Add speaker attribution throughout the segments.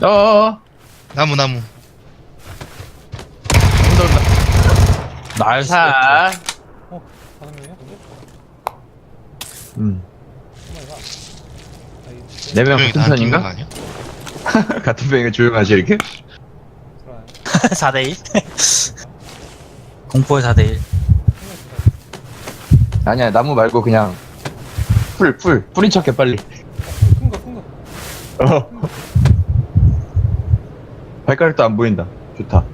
Speaker 1: 어어어.
Speaker 2: 나무.
Speaker 1: 온다.
Speaker 3: 나이스.
Speaker 1: 자.
Speaker 4: 다섯 명이야? 근데?
Speaker 1: 음.
Speaker 4: 정말가.
Speaker 1: 네 명
Speaker 2: 분명히
Speaker 1: 같은
Speaker 2: 다 끼는 거
Speaker 1: 편인가?
Speaker 2: 아니야?
Speaker 1: 같은 편인가 조용하지 이렇게?
Speaker 4: 그래.
Speaker 3: 4대1. 공포의 4대1.
Speaker 1: 아니야 나무 말고 그냥 뿌린 척해 빨리.
Speaker 4: 큰 거.
Speaker 1: 어. 발가락도 안 보인다. 좋다.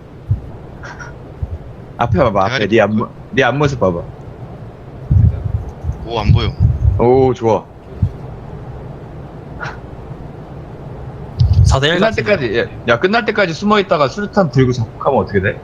Speaker 1: 앞에 봐봐. 앞에
Speaker 2: 대가리
Speaker 1: 네 앞모습 봐봐.
Speaker 2: 오, 안 보여.
Speaker 1: 오 좋아.
Speaker 3: 4대1
Speaker 1: 끝날 때까지 야 끝날 때까지 숨어 있다가 수류탄 들고 작곡하면 어떻게 돼?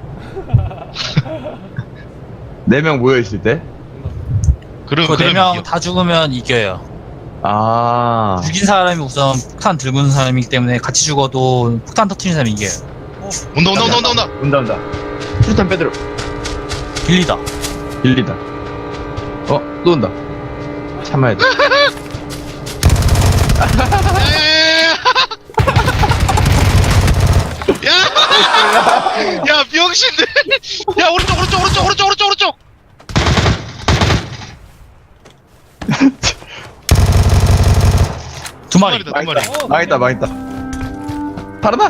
Speaker 1: 4명 모여 있을 때?
Speaker 2: 그럼
Speaker 3: 그 4명
Speaker 2: 이겨.
Speaker 3: 다 죽으면 이겨요.
Speaker 1: 아.
Speaker 3: 죽인 사람이 우선 폭탄 들고 있는 사람이기 때문에 같이 죽어도 폭탄 터트리는 사람이 이겨요.
Speaker 2: 온다.
Speaker 1: 온다. 수류탄 빼들어.
Speaker 3: 빌리다.
Speaker 1: 빌리다. 또 온다. 참아야 돼.
Speaker 2: 야! 야, 병신들! 야, 오른쪽!
Speaker 3: 2마리.
Speaker 2: 두 마리.
Speaker 1: 망했다. 살아나.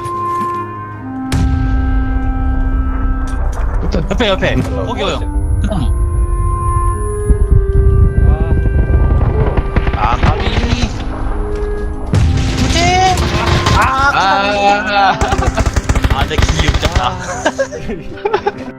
Speaker 3: 옆에. 거기요. 끝나무. 아, 가비. 그치? 아,
Speaker 1: 아.
Speaker 3: 내 기억자.